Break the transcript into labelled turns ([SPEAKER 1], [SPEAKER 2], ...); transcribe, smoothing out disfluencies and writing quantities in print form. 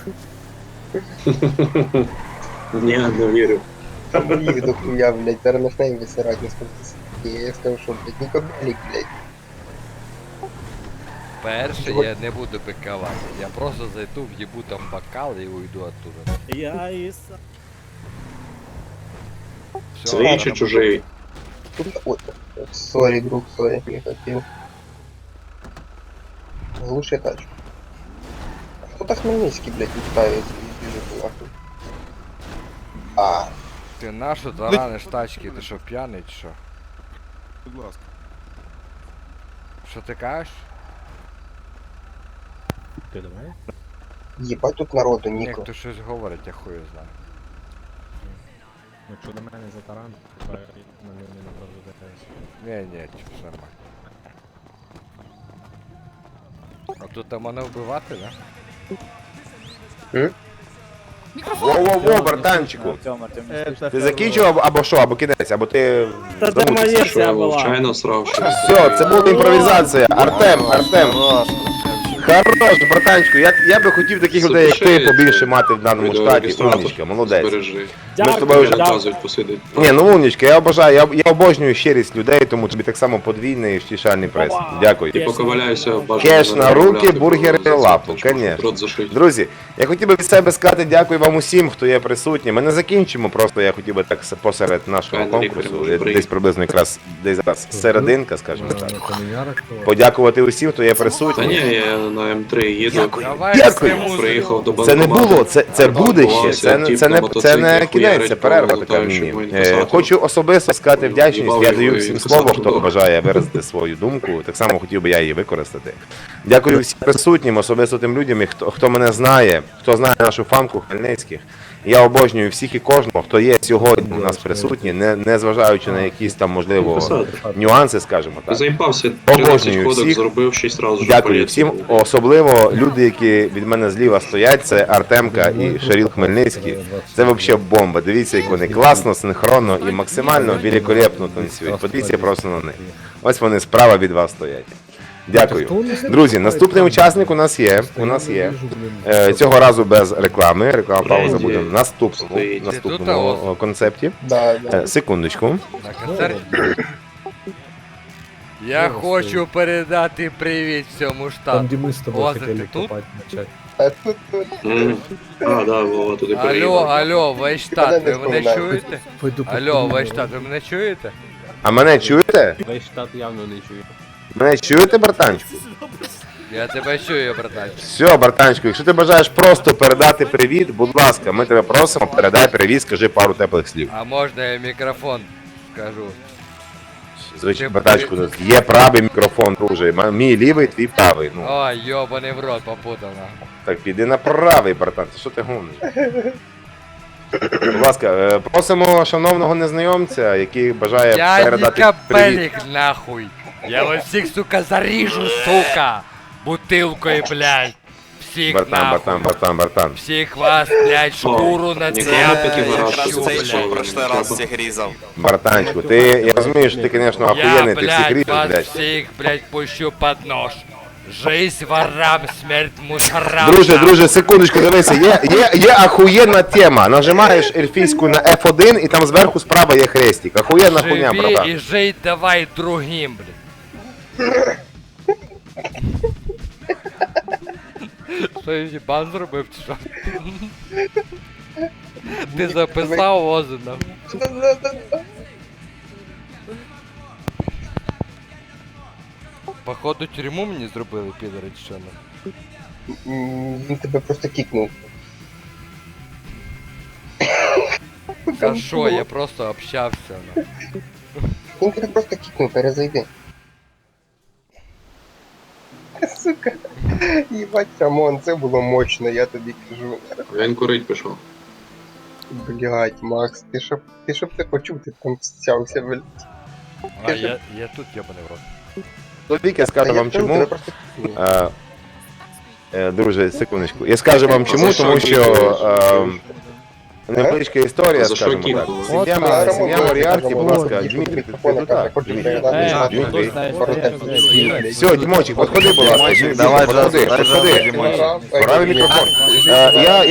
[SPEAKER 1] Ні, не вірю.
[SPEAKER 2] Там їх дохуя, блядь, зараз почнемо висирати на скільки. Я скажу, що, блядь, Нікобелік, блядь.
[SPEAKER 3] Перше я не буду пикувати. Я просто зайду, в'їбу там бокал і уйду оттуда.
[SPEAKER 4] Я і сам.
[SPEAKER 3] Все,
[SPEAKER 1] Свій чи чужий?
[SPEAKER 2] Ой, сорі, друг, сорі, не хотів. Глуши тачку. А хто так Хмельницький, блядь, відправиться і біжить нахуй? А,
[SPEAKER 3] Ти нашу тараниш тачки, ти що п'яний чи що?
[SPEAKER 5] Будь ласка.
[SPEAKER 3] Що ти кажеш?
[SPEAKER 4] Ти давай?
[SPEAKER 2] їбать тут народу,
[SPEAKER 3] Ні,
[SPEAKER 2] Ніко.
[SPEAKER 3] хто щось говорить, я хую знаю.
[SPEAKER 4] Якщо до мене за таран, то я мене не направду ДТС.
[SPEAKER 3] Ні, все нормально. А тут там мене вбивати, да?
[SPEAKER 6] Во-во-во, братанчику. Ти закінчив або що, або кінець, або ти замутився?
[SPEAKER 1] Що я вовчайно срав щось.
[SPEAKER 6] Все, це була імпровізація. Артем. Хорош, братанчику, я би хотів таких людей, як ти, побільше мати в даному штаті. Умнічка, молодець.
[SPEAKER 1] Збережи.
[SPEAKER 6] Ми з тобою вже...
[SPEAKER 1] Наказують посидить.
[SPEAKER 6] Ні, ну умнічка, я обожаю, я обожнюю щирість людей, тому тобі так само подвійний і втішальний прес. Дякую.
[SPEAKER 1] І поковаляюся бажано.
[SPEAKER 6] Кеш на руки, бургери, лапу, конечно.
[SPEAKER 1] Рот зашить.
[SPEAKER 6] Друзі, я хотів би від себе сказати дякую вам усім, хто є присутній. Ми не закінчимо, просто я хотів би так посеред нашого конкурсу, десь приблизно якраз десь зараз серединка, скажімо так. Подякувати усім, хто є
[SPEAKER 1] Та
[SPEAKER 6] присутній.
[SPEAKER 1] ні, я на М3 їду.
[SPEAKER 3] Давай
[SPEAKER 6] Дякую.
[SPEAKER 1] Приїхав до
[SPEAKER 6] Це не
[SPEAKER 1] банкомату.
[SPEAKER 6] було, це буде ще, це не кінець, це перерва така міні. Хочу особисто сказати вдячність, я даю всім слово, хто бажає виразити свою думку, так само хотів би я її використати. Дякую всім присутнім, особисто тим людям, хто мене знає, хто знає нашу фанку Хмельницьких. Я обожнюю всіх і кожного, хто є сьогодні у нас присутні, не зважаючи на якісь там, можливо, нюанси, скажімо так.
[SPEAKER 1] Заїбався, 13
[SPEAKER 6] Обожнюю
[SPEAKER 1] ходок
[SPEAKER 6] всіх.
[SPEAKER 1] зробив 6 разів.
[SPEAKER 6] Дякую всім, особливо люди, які від мене зліва стоять, це Артемка і Шаріл Хмельницький. Це взагалі бомба. Дивіться, як вони класно, синхронно і максимально великолепно танцюють. Подивіться просто на них. Ось вони справа від вас стоять. Дякую. Друзі, наступний учасник у нас є. Цього разу без реклами. Реклама пауза буде в наступному концепті.
[SPEAKER 2] Да.
[SPEAKER 6] Секундочку.
[SPEAKER 3] На концерті. Я хочу передати привіт всьому
[SPEAKER 4] Там,
[SPEAKER 3] штату.
[SPEAKER 4] где мы с тобой
[SPEAKER 3] Оза,
[SPEAKER 4] хотели
[SPEAKER 3] ти тут?
[SPEAKER 4] копать начать.
[SPEAKER 2] А тут,
[SPEAKER 1] А, да, Вова туди
[SPEAKER 3] Алло,
[SPEAKER 1] приїхав.
[SPEAKER 3] алло, весь штат, ви мене
[SPEAKER 2] вспоминаю.
[SPEAKER 3] чуєте?
[SPEAKER 4] Пойду
[SPEAKER 3] Алло, весь штат, ви мене чуєте?
[SPEAKER 6] А мене чуєте?
[SPEAKER 4] Весь штат явно не чує.
[SPEAKER 6] Мене чуєте, братанчику?
[SPEAKER 3] Я тебе чую, братан.
[SPEAKER 6] Все, братанчику, якщо ти бажаєш просто передати привіт, будь ласка, ми тебе просимо, передай привіт, скажи пару теплих слів.
[SPEAKER 3] А можна я мікрофон скажу?
[SPEAKER 6] Звичайно, братанчику, є правий мікрофон, друже. Мій лівий, твій правий. Ну,
[SPEAKER 3] Ой, йобаний в рот попутав.
[SPEAKER 6] так піди на правий, братан, ти що ти гониш? Будь ласка, просимо шановного незнайомця, який бажає
[SPEAKER 3] Я не
[SPEAKER 6] передати привіт.
[SPEAKER 3] капелік нахуй. Я вас всіх, сука, заріжу, сука. Бутилкою, блядь. Всіх нахуй.
[SPEAKER 6] Братан.
[SPEAKER 3] Всіх вас, блядь, шкуру на
[SPEAKER 1] Ніколи
[SPEAKER 3] цепи.
[SPEAKER 1] таки вираз
[SPEAKER 3] щу,
[SPEAKER 1] цей,
[SPEAKER 3] блядь.
[SPEAKER 1] що
[SPEAKER 7] прошлий раз всіх різав.
[SPEAKER 6] Братанчику, я розумію, що ти, звісно,
[SPEAKER 3] Я,
[SPEAKER 6] охуєнний, ти всіх
[SPEAKER 3] блядь,
[SPEAKER 6] ріжеш,
[SPEAKER 3] вас
[SPEAKER 6] блядь.
[SPEAKER 3] всіх, блядь, пущу под нож. Жизнь ворам, смерть мусорам.
[SPEAKER 6] Друже, секундочку, дивися, є охуєнна тема. Нажимаєш ельфійську на F1 і там зверху справа є хрестик. Охуєнна хуйня,
[SPEAKER 3] Живи
[SPEAKER 6] братан.
[SPEAKER 3] і жий давай другим, блядь. Що я їбан зробив, чи що? Ти записав Озина? Походу тюрму мені зробили, підери, чи що?
[SPEAKER 2] Він тебе просто кікнув.
[SPEAKER 3] За що? Я просто общався. Ну.
[SPEAKER 2] Він тебе просто кікнув, перезайди. Сука. Їбать, Рамон, це було мощно, я тобі кажу.
[SPEAKER 1] Він курить пішов.
[SPEAKER 2] Блять, Макс, ти щоб ти почув, ти там стявся, блядь.
[SPEAKER 3] А я тут єбаний в рот.
[SPEAKER 6] Чоловік, я скажу вам
[SPEAKER 2] Тебе
[SPEAKER 6] чому.
[SPEAKER 2] просто кікнув.
[SPEAKER 6] Друже, секундочку. Я скажу вам чому, тому що невеличка історія,
[SPEAKER 1] За що
[SPEAKER 6] скажімо так.
[SPEAKER 1] кікнули?
[SPEAKER 6] Сім'я Моріарті, будь ласка, Дмитрий, ти тут так? Дмитрий. Все, Дімочик, подходи, будь ласка. Давай, подходи. Правий мікрофон. Я